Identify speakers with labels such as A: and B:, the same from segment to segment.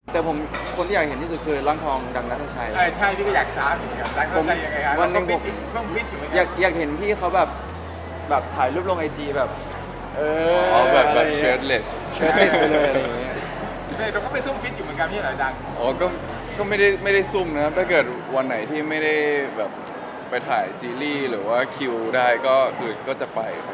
A: แต่ผมคนที่อยากเห็นที่สุดคือร่างทองดังนัทชัย
B: ใช่พี่ก็อยากถามเหมือนกันตั้งใจยังไงครับ
A: วันหนึ่งผม
B: ต้องฟิตอยู่เหมือนกัน
A: อยากเห็นพี่เขาแบบถ่ายรูปลงไอจีแบบ
C: แบบเชิร์ตเลส
A: ไปเลยอะไรอย่างเงี้ย
B: เราก็ไปซุ่มฟิตอยู่เหมือนกันพี่เหรอดัง
C: ก็ไม่ได้ซุ่มนะครับถ้าเกิดวันไหนที่ไม่ได้แบบไปถ่ายซีรีส์หรือว่าคิวได้ก็คือก็จะไปครับ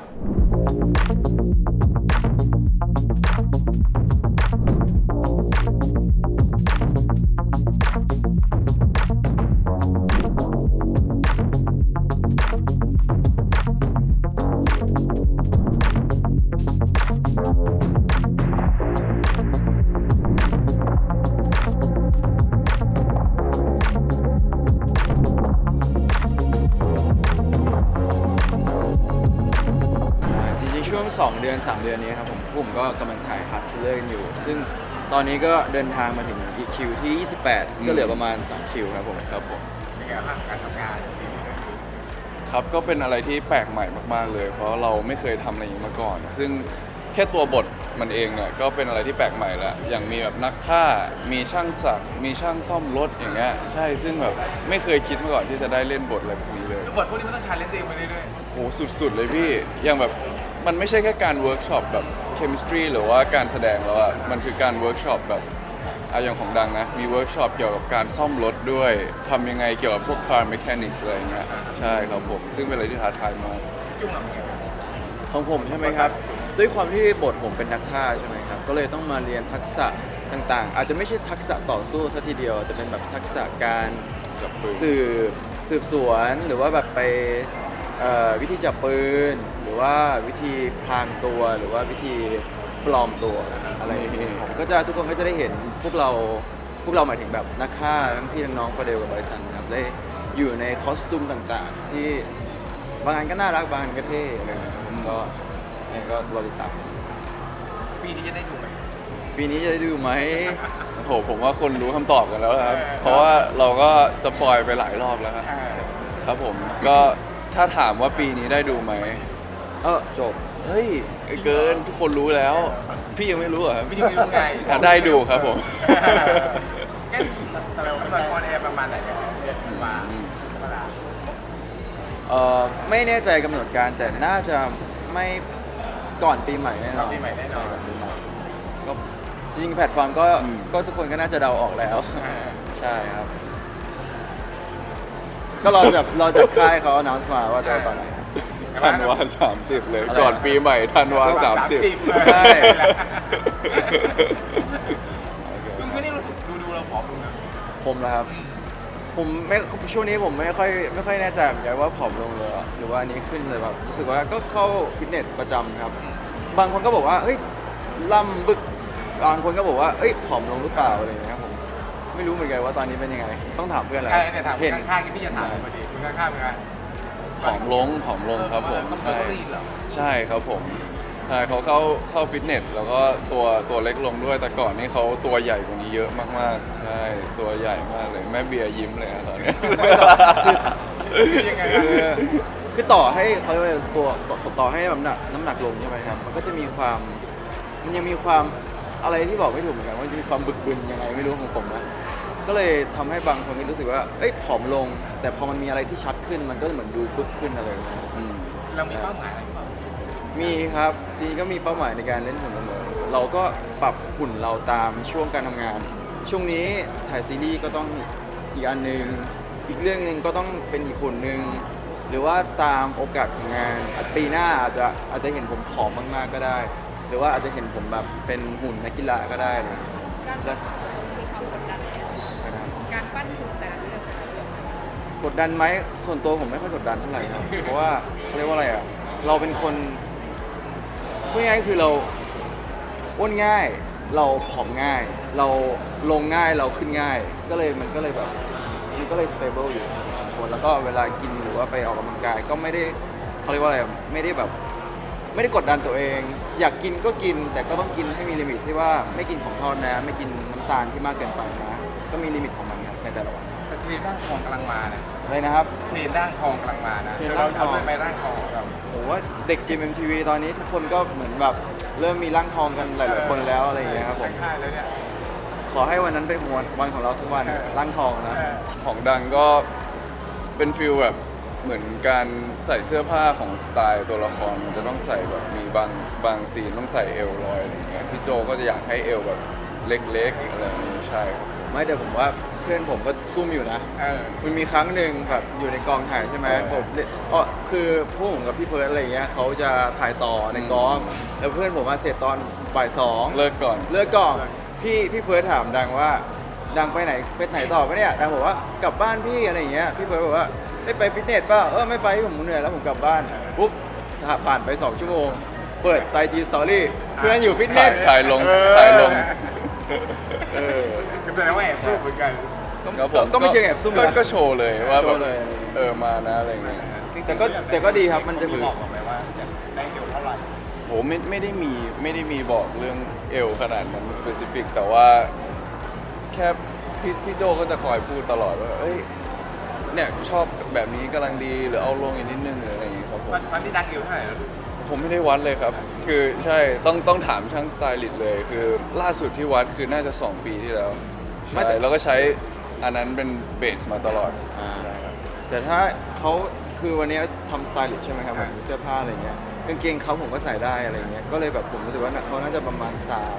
A: จริงๆช่วง2 เดือน 3 เดือนนี้ครับผมก็กำลังถ่ายฮาร์ดคิลเลอร์กันอยู่ซึ่งตอนนี้ก็เดินทางมาถึงอีกคิวที่28ก็เหลือประมาณ2คิวครับผม
B: เป็นไงบ้างการทำงาน
C: ครับก็เป็นอะไรที่แปลกใหม่มากๆเลย เพราะเราไม่เคยทำอะไรอย่างนี้มาก่อน ซึ่งแค่ตัวบทมันเองเนี่ยก็เป็นอะไรที่แปลกใหม่แล้วอย่างมีแบบนักฆ่ามีช่างสักมีช่างซ่อมรถอย่างเงี้ยใช่ซึ่งแบบไม่เคยคิดมาก่อนที่จะได้เล่นบทอะไรแบบนี้เลย
B: บทพวกนี้มันต้องชาเลนจ์เองไปเรื่อย
C: โหสุดๆเลยพี่อย่างแบบมันไม่ใช่แค่การเวิร์กช็อปแบบเคมิสตรีหรือว่าการแสดงแล้วอะมันคือการเวิร์กช็อปแบบอย่างของดังนะมีเวิร์กช็อปเกี่ยวกับการซ่อมรถด้วยทำยังไงเกี่ยวกับพวก car mechanics อะไรอย่างเงี้ยใช่ครับผมซึ่งเป็นอะไรที่ท้าทายมาก
B: ๆยุ่งกับเงี้ย
A: ของผมใช่ไหมครับด้วยความที่บทผมเป็นนักฆ่าใช่ไหมครับก็เลยต้องมาเรียนทักษะต่างๆอาจจะไม่ใช่ทักษะต่อสู้ซะทีเดียวแต่เป็นแบบทักษะการ
C: จับปืน
A: สืบสวนหรือว่าแบบไปวิธีจับปืนหรือว่าวิธีพรางตัวหรือว่าวิธีปลอมตัวอะไรอย่างเงี้ยผมก็จะทุกคนก็จะได้เห็นพวกเราหมายถึงแบบนักฆ่าทั้งพี่ทั้งน้องฟาเดลกับไบซันครับได้อยู่ในคอสตูมต่างๆที่บางอันก็น่ารักบางอันก็เท่อะไรอย่างเงี้ยก็รอติดตาม
B: ปีนี้จะได้ดูไหม
A: ปีนี้จะได้ดูไหม
C: โอ้โหผมว่าคนรู้คำตอบกันแล้วครับเพราะว่าเราก็สปอยไปหลายรอบแล้วครับครับผมก็ถ้าถามว่าปีนี้ได้ดูไหม
A: จบ
C: เฮ้ยเกินทุกคนรู้แล้ว พี่ยังไม่รู้เหรอครับ
B: พี่ยังไม่รู้ไง
C: ได้ดูครับผม
B: แค่เรากำลังออนแอร์ประมาณไหนมาธรรมดา
A: ไม่แน่ใจกำหนดการแต่น่าจะไม่ก่อนปีใหม่แน่นอน
B: ปีใหม่แน่นอน
A: ใช่ก่ปีใหม่ก็จริงๆแพลตฟอร์มก็ทุกคนก็น่าจะเดาออกแล้ว ใช่ครับ ก็รอจากค่ายเขา announce มาว่าจะเอาตอนไหน
C: ธันวา30 เลย ก่อนปีใหม่ธันวา30
B: ใช่
A: ใช่
B: คุณไม่ได้รู้สึกดูเราผอมลงนะ
A: ผมนะครับ ผมไม่ช่วงนี้ผมไม่ค่อยแน่ใจเหมือนกันว่าผอมลงเลยหรือว่าอันนี้ขึ้นเลยแบบรู้สึกว่าก็เข้าฟิตเนสประจำครับ บางคนก็บอกว่าเฮ้ยล่ำบึกบางคนก็บอกว่าเอ้ยผอมลงหรือเปล่าอะไรอย่างเงี้ยครับผมไม่รู้เหมือนกันว่าตอนนี้เป็นยังไงต้องถามเพื่อนแหละ
B: เนี่ยถามข้างๆที่พี่จะถามพอดีคุณข้างๆเป็นไง
C: ผอมลงครับผม
B: ใช่เหรอ
C: ใช่ครับผมใช่เขาเข้าฟิตเนสแล้วก็ตัวเล็กลงด้วยแต่ก่อนนี่เขาตัวใหญ่กว่านี้เยอะมากๆใช่ตัวใหญ่มากเลยแม่เบียร์ยิ้มเลยนะตอนนี้
B: ยังไง
A: คือต่อให้เขาเรียกว่าตัวต่อให้น้ำหนักลงใช่ไหมครับมันก็จะมีความมันยังมีความอะไรที่บอกไม่ถูกเหมือนกันว่าจะมีความบึกบึนยังไงไม่รู้ของผมนะก็เลยทำให้บางคนก็รู้สึกว่าเอ้ยผอมลง แต่พอมันมีอะไรที่ชัดขึ้นมันก็เหมือนดูบึกขึ้นอะไรอย่างเงี้ย
B: เรามีเป้าหมายอะไรบ้าง
A: มีครับจริงๆก็มีเป้าหมายในการเล่นหุ่นเสมอเราก็ปรับหุ่นเราตามช่วงการทำงาน ช่วงนี้ถ่ายซีรีส์ก็ต้องอีกอันหนึ่งอีกเรื่องหนึ่งก็ต้องเป็นอีกหุ่นหนึ่งหรือว่าตามโอกาสของงานปีหน้าอาจจะเห็นผมผอมมากๆก็ได้ หรือว่าอาจจะเห็นผมแบบเป็นหุ่นนักกีฬาก็ได้เลย
D: การปั้นมีความกดดันไหมการปั้นหุ่นแต่ละเรื่อง
A: กดดันไหมส่วนตัวผมไม่ค่อยกดดันเท่าไหร่ครับ เพราะว่าเขาเรียกว่าอะไรอ่ะเราเป็นคนพูดง่ายๆคือเราอ้วนง่าย เราผอมง่าย เราลงง่ายเราขึ้นง่าย มันก็เลยแบบมันก็เลย stable อยู่คนแล้วก็เวลากินหรือว่าไปออกกำลังกายก็ไม่ได้เขาเรียกว่าอะไรไม่ได้แบบไม่ได้กดดันตัวเอง อยากกินก็กิน แต่ก็ต้องกินให้มีลิมิตที่ว่าไม่กินของทอดนะไม่กินน้ำตาลที่มากเกินไปนะก็มีลิมิตของมันครับในแต่ละวัน
B: แต่เทรนร่างทองกำลังมานะ
A: อะไรนะครับ
B: เทรนร่างทองกำลังมานะ
A: เทรน
B: แต่
A: ร่า
B: เรา
A: งทอง
B: เอาด้วยไหมร่างทองเรา
A: ผมว่าเด็ก GMMTV ตอนนี้ทุกคนก็เหมือนแบบเริ่มมีร่างทองกันหลายๆคนแล้วอะไรอย่างเงี้ยครับผม
B: ค่ายแล้วเนี่ย
A: ขขอให้วันนั้นเป็นวันของเราทุกวันร่างทองนะ
C: ของดังก็เป็นฟิลแบบเหมือนการใส่เสื้อผ้าของสไตล์ตัวละครมันจะต้องใส่แบบมีบางซีนต้องใส่เอวลอยอะไรอย่างเงี้ยพี่โจก็จะอยากให้เอวแบบเล็กๆอะไรอย่างงี้ใช่ครับ
A: ไม่แต่ผมว่าเพื่อนผมก็ซุ่มอยู่นะ มันมีครั้งหนึ่งแบบอยู่ในกองถ่ายใช่ไหม
C: ใช่
A: ผมคือพวกผมกับพี่เฟิร์สอะไรอย่างเงี้ยเขาจะถ่ายต่อในกอง แล้วเพื่อนผมมาเสร็จตอนบ่าย 2
C: เลิกก่อน
A: เลิกก่อนพี่เฟิร์สถามดังว่าดังไปไหนต่อปะเนี่ยดังบอกว่ากลับบ้านพี่อะไรอย่างเงี้ยพี่เฟิร์สบอกว่าไม่ไปฟิตเนสป่ะไม่ไปผมเหนื่อยแล้วผมกลับบ้านปุ๊บผ่านไป2 ชั่วโมง เปิดไซจีสตอรี่เพื่อนอยู่ฟิตเนส
C: ถ่ายลง
A: เออ
B: จะแสดงว่าแอบพูดเหมือนกัน
C: ครับผม
A: ก็ไม่เชิงแอบซุ่มนะ
C: ก็โชว์เลยว่า
A: โช
C: แบบ
A: ว์เลย
C: มานะอะไรอย่างเงี้ย
A: แต่ก็ดีครับมันจะ
B: บอกไหมว่าจะได้เอวเท่าไหร่
C: โหไม่ได้มีบอกเรื่องเอวขนาดนั้น specific แต่ว่าแค่พี่โจก็จะคอยพูดตลอดว่าเอ้ยเนี่ยชอบแบบนี้กำลังดีหรือเอาลงอีกนิดนึงหรืออะไรอย่างเงี้ยครับผม
B: วันที่ดังเอวเท่าไหร่แล้ว
C: ผมไม่ได้วัดเลยครับ คือใช่ต้องถามช่างสไตลิสต์เลย คือล่าสุดที่วัดคือน่าจะ 2 ปีที่แล้ว
A: ไม่
C: ใช่
A: แต่
C: แล้วก็ใช้อันนั้นเป็นเบสมาตลอด
A: แต่ถ้าเขาคือวันนี้ทำสไตลิสต์ใช่ไหมครับแบบมีเสื้อผ้าอะไรเงี้ยกางเกงเขาผมก็ใส่ได้อะไรเงี้ยก็เลยแบบผมรู้สึกว่าเขาน่าจะประมาณ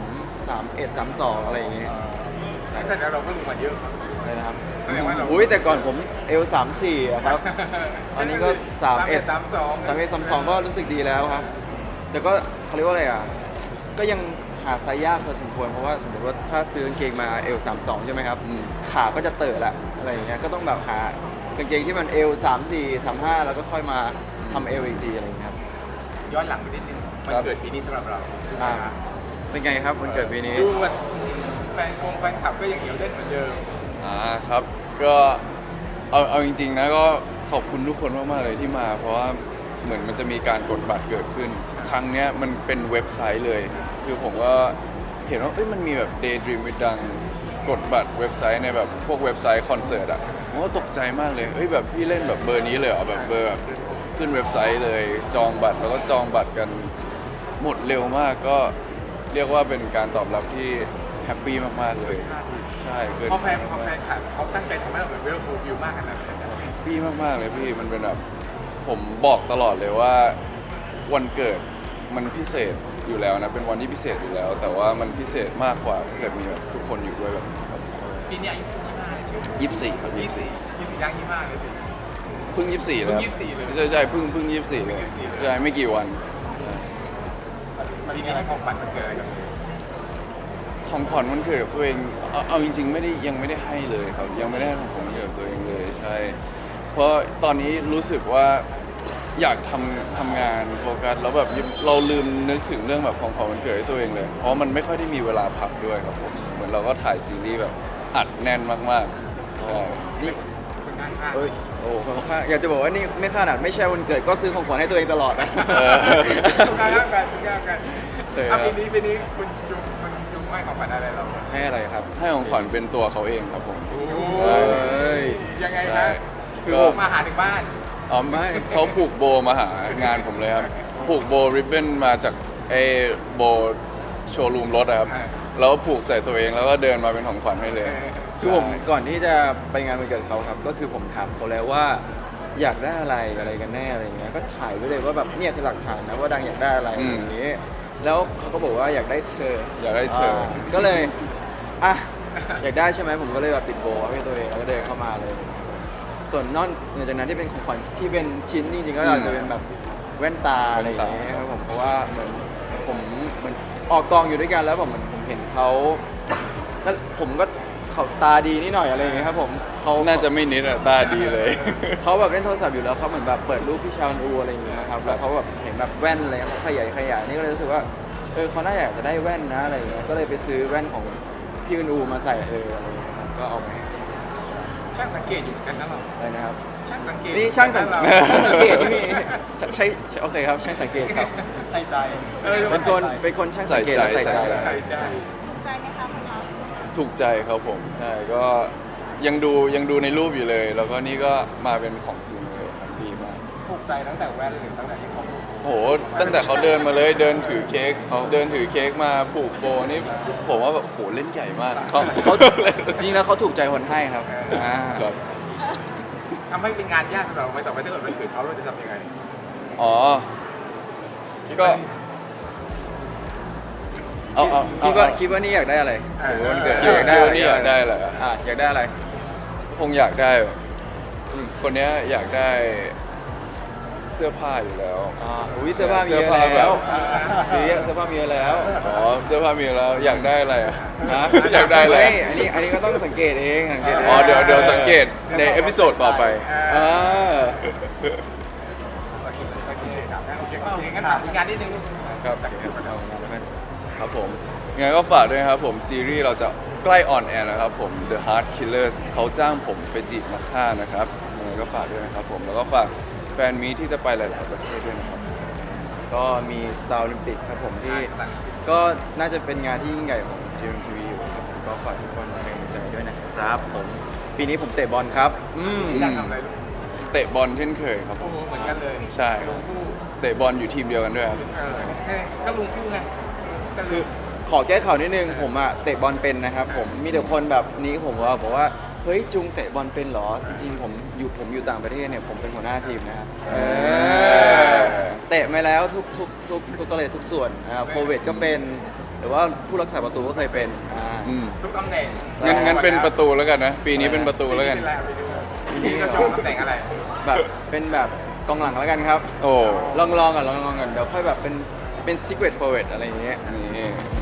A: 31 32อะไรอย่างเงี้ย
B: แต่เราก็รู้มาเยอะ
A: อะไรนะครับ
B: แสดงว่าเรา
A: อุ้ยแต่ก่อนผมเอล34อะครับอันนี้ก็31 31 32ก็รู้สึกดีแล้วครับ แต่ก็เขาเรียกว่าอะไรอ่ะก็ยังหาไซส์ยากพอสมควรเพราะว่าสมมติว่าถ้าซื้อกางเกงมาเอล32ใช่ไหมครับ ขาก็จะเติร์ดละอะไรอย่างเงี้ยก็ต้องแบบหากางเกงที่มันเอล34 35แล้วก็ค่อยมาทำเอลอีกทีอะไรอย่างเงี้ยครับ
B: ย้อนหลังไปนิดนึงมันเกิดปีนี้สำหรับเรา
A: อ่าเป็นไงครับวันเกิดปีนี้
B: ดูมันแฟนคลับก็ยังเหนียวแน่นเหมือนเดิม
C: ครับก็เอาจริงๆนะก็ขอบคุณทุกคนมากๆเลยที่มา เพราะว่าเหมือนมันจะมีการกดบัตรเกิดขึ้น ครั้งเนี้ยมันเป็นเว็บไซต์เลย คือผมก็เห็นว่ามันมีแบบ Daydream with ดังกดบัตรเว็บไซต์ในแบบพวกเว็บไซต์คอนเสิร์ตอ่ะผมก็ตกใจมากเลยแบบพี่เล่นแบบเบอร์นี้เลยเหรอแบบเบอร์แบบขึ้นเว็บไซต์เลยจองบัตรแล้วก็จองบัตรกันหมดเร็วมากก็เรียกว่าเป็นการตอบรับที่แฮปปี้มากๆเลยใช่เกิน
B: เพราะแฟนคลับเขาตั้งใจทำให้เราเหมือนเวลฟูลวิวมากขนาดนั้น
C: แฮปปี้มากๆเลยพี่มันเป็นแบบผมบอกตลอดเลยว่าวันเกิดมันพิเศษอยู่แล้วนะเป็นวันที่พิเศษอยู่แล้ว แต่ว่ามันพิเศษมากกว่าถ้าเกิดมีแบบทุกคนอยู่ด้วยแบบนี้ครับ
B: ปีนี้อายุ25เลยใช่ไหม
C: 24ครับ
B: 24ย่าง25เลยสิ
C: เพิ่ง24แล้ว
B: เพิ่ง24เลย
C: ใช่เพิ่ง24เลยใช่ไม่กี่วัน
B: ปีนี้ให้ของขวัญมันเกิดอะไรกับ
C: ของขวัญวันเกิดกับตัวเองเอาจริงๆยังไม่ได้ให้เลยครับยังไม่ได้ให้ของขวัญวันเกิดกับตัวเองเลยใช่ เพราะตอนนี้รู้สึกว่าอยากทำงานโฟกัสแล้วแบบเราลืมนึกถึงเรื่องแบบของขวัญวันเกิดให้ตัวเองเลย เพราะมันไม่ค่อยได้มีเวลาพักด้วยครับผมเหมือนเราก็ถ่ายซีรีส์แบบอัดแน่นมากๆใช่
A: นี่
B: คนข้างๆ
A: เอ้ยโอ้ค่อนข้างอยากจะบอกว่านี่ไม่ขนาดไม่ใช่วันเกิดก็ซื้อของขวัญให้ตัวเองตลอดนะ
B: ข้างกันปีนี้คุณจุงให้ของขวัญอะไรเรา
A: ให้อะไรครับ
C: ให้ของขวัญเป็นตัวเขาเองครับผม
A: เอ้ย
B: ยังไง
C: ใช่
B: นะคือผมมาหาถึงบ้าน
C: อ๋อไม่เขาผูกโบมาหางานผมเลยครับผูกโบริบบิ้นมาจากไอ้โบโชว์รูมรถอะครับแล้วก็ผูกใส่ตัวเองแล้วก็เดินมาเป็นของขวัญให้เลย
A: คือผมก่อนที่จะไปงานวันเกิดเขาครับ ก็คือผมถามเขาแล้วว่าอยากได้อะไรกันแน่อะไรเงี้ยก็ถ่ายไว้เลยว่าแบบเนี่ยคือหลักฐานนะว่าดังอยากได้อะไรอย่างนี้ แล้วเขาก็บอกว่าอยากได้เชอร์
C: อยากได้เชิญ
A: ก็เลยอ่ะอยากได้ใช่ไหมผมก็เลยแบบติดโบให้ตัวเองแล้วก็เดินเข้ามาเลย ส่วนนอกเหนือจากนั้นที่เป็นของขวัญที่เป็นชิ้นจริงๆก็อาจจะเป็นแบบแว่นตาอะไรอย่างเงี้ยครับผมเพราะว่าเหมือนผมเหมือนออกกองอยู่ด้วยกันแล้วผมเห็นเขาแล้วผมก็เขาตาดีนิดหน่อยอะไรอย่างเงี้ยครับผมเขา
C: น่าจะไม่นิดอะตาดีเลย
A: เขาแบบเล่นโทรศัพท์อยู่แล้วเขาเหมือนแบบเปิดรูปพี่ชาวนอูอะไรอย่างเงี้ยครับแล้วเขาแบบเห็นแบบแว่นอะไรเขาขยายนี่ก็เลยรู้สึกว่าเขาน่าอยากจะได้แว่นนะอะไรอย่างเงี้ยก็เลยไปซื้อแว่นของพี่อูมาใส่อะไรอย่างเงี้ยครับก็เอามาให้
B: ช่างสังเกตอยู่กันนะเรา
A: อะไรนะครับ
B: ช่างสังเกต
A: นี่ช่างสัง
B: เรา
A: สังเกตนี่มีใช่โอเคครับช่างสังเกตครับ
B: ใส่ใจ
A: เป็นคนช่างสังเกตและใส่ใจ
B: ใส่ใจ
D: ถูกใจไหมคะคุณเรา
C: ถูกใจครับผมใช่ก็ยังดูในรูปอยู่เลย แล้วก็นี่ก็มาเป็นของจริงเลยครับดีมาก
B: ถูกใจตั้งแต่แว่นหรือตั้งแต่ที่เขาพูด
C: โหตั้งแต่เขาเดินมาเลยเดินถือเค้กมาผูกโบนี่ผมว่าแบบโหเล่นใหญ่มาก
A: เขาจริงๆแล้วเขาถูกใจคนให้ครับอ่า
C: ครับ
B: ทำให้เป็นงานยากสำหรับเราไหมต่อไปถ้าเกิดมันเกิดเขาเราจะทำยังไง
C: อ๋อก็เอา
A: คิดว่านี่อยากได้อะไรสมมติวันเกิด
C: คิดว่านี่อยากได้อะไรอะ
A: อยากได้อะไร
C: คงอยากได้แบบคนเนี้ยอยากได้เสื้อผ้าอยู่แล้ว
A: อุ้ยเสื้อผ้ามีเยอะ
C: เสื้อผ้าแบ
A: แล้ว
C: บ
A: เสื้อผ้ามีเยอะแล้ว
C: อ๋อเสื้อผ้ามีแล้วอยากได้อะไรอะ
A: ฮะ
C: อยากได้อะไร
A: ม่อันนี้ก็ต้องสังเกตเองสังเกตเอง
C: อ๋อเดี๋ยวสังเกตในเอพิโซดต่อไป
A: เออ
B: โอเคครับโอเคก็โอเคงั้นถามอีกงานนิดนึง
C: ครับครับผมยังไงก็ฝากด้วยนะครับผมซีรีส์เราจะใกล้ออนแอร์แล้วครับผม The Heart Killers เขาจ้างผมไปจีบนักฆ่านะครับยังไงก็ฝากด้วยนะครับผมแล้วก็ฝากแฟนมีที่จะไปหลายๆประเทศด้วยนะครับ
A: ก็มี Star Olympic ครับผมที่ก็น่าจะเป็นงานที่ยิ่งใหญ่ของ GMTV อยู่ครับผมก็ฝากทุกคนเป็นกำลังใจด้วยนะครับผมปีนี้ผมเตะบอลครับ
B: ที่นั่งทำอะไรลูก
C: เตะบอลเช่นเคยครับผ
B: โอ้
C: ม
B: โหเหมือนกันเลย
C: ใช่
B: ลุงคู่
C: เตะบอลอยู่ทีมเดียวกันด้วยครับ
B: แค่ก็ลุงคู่ไงก็
A: คือขอแก้ข่าวนิดนึงผมอะเตะบอลเป็นนะครับผมมีแต่คนแบบนี้ผมว่าบอกว่าเฮ้ยจุงเตะบอลเป็นเหรอจริงๆผมอยู่ต่างประเทศเนี่ยผมเป็นหัวหน้าทีมนะครับเตะมาแล้วทุกก็เลยทุกส่วนโฟเวตก็เป็นหรือว่าผู้รักษาประตูก็เคยเป็น
B: ทุกตำแหน่ง
C: งั้นเป็นประตูแล้วกันนะ ปีนี้เป็นประตูแล้วกัน
B: ปีนี้เราจะเอาตำแหน่งอะไร
A: แบบเป็นแบบกองหลังแล้วกันครับ
C: โอ้
A: ลองก่อนเดี๋ยวค่อยแบบเป็น secret forward อะไรอย่างเงี้ย
C: นี่